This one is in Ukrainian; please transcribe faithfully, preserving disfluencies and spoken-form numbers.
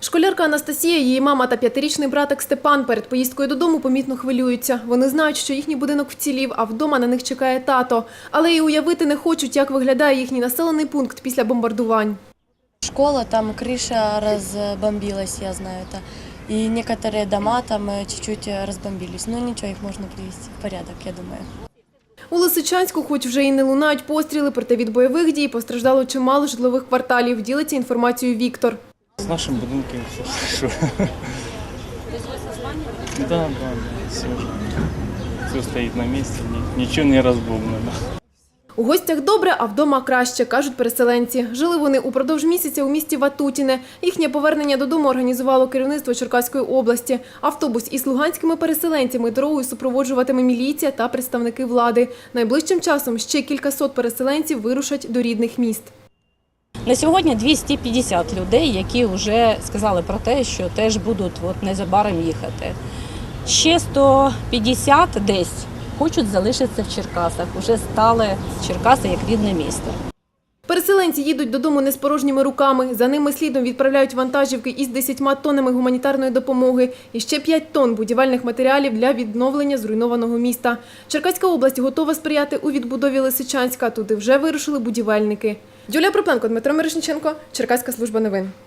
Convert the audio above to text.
Школярка Анастасія, її мама та п'ятирічний братик Степан перед поїздкою додому помітно хвилюються. Вони знають, що їхній будинок вцілів, а вдома на них чекає тато. Але і уявити не хочуть, як виглядає їхній населений пункт після бомбардувань. Школа, там крыша разбомбилась, я знаю это. И некоторые дома там чуть-чуть разбомбились. Но ничего, их можно привести в порядок, я думаю. У Лисичанську хоч вже і не лунають постріли, проте від бойових дій постраждало чимало житлових кварталів. Ділиться інформацією Віктор. С нашим будинком все хорошо. Да, да, все, все стоит на месте, ничего не разбомблено. У гостях добре, а вдома краще, кажуть переселенці. Жили вони упродовж місяця у місті Ватутіне. Їхнє повернення додому організувало керівництво Черкаської області. Автобус із луганськими переселенцями дорогою супроводжуватиме міліція та представники влади. Найближчим часом ще кількасот переселенців вирушать до рідних міст. На сьогодні двісті п'ятдесят людей, які вже сказали про те, що теж будуть от незабаром їхати. Ще сто п'ятдесят десь хочуть залишитися в Черкасах, вже стали Черкаси як рідне місто. Переселенці їдуть додому не з порожніми руками. За ними слідом відправляють вантажівки із десятьма тоннами гуманітарної допомоги і ще п'ять тонн будівельних матеріалів для відновлення зруйнованого міста. Черкаська область готова сприяти у відбудові Лисичанська. Туди вже вирушили будівельники. Юлія Пропленко, Дмитро Мирошниченко, Черкаська служба новин.